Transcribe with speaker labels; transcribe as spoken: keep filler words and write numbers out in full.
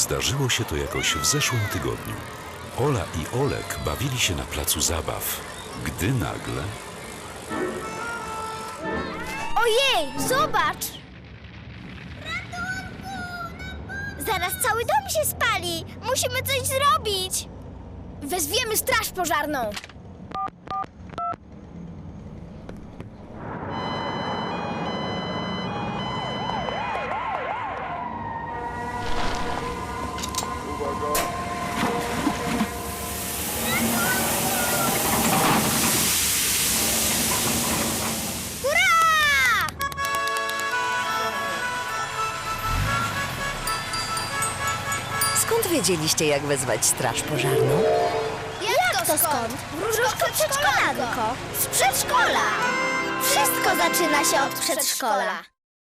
Speaker 1: Zdarzyło się to jakoś w zeszłym tygodniu. Ola i Olek bawili się na placu zabaw, gdy nagle...
Speaker 2: Ojej, zobacz! Zaraz cały dom się spali! Musimy coś zrobić! Wezwiemy straż pożarną! Hurra!
Speaker 3: Skąd wiedzieliście, jak wezwać straż pożarną?
Speaker 2: Jak to skąd? Wróżko przedszkolanko! Z przedszkola! Wszystko zaczyna się od przedszkola!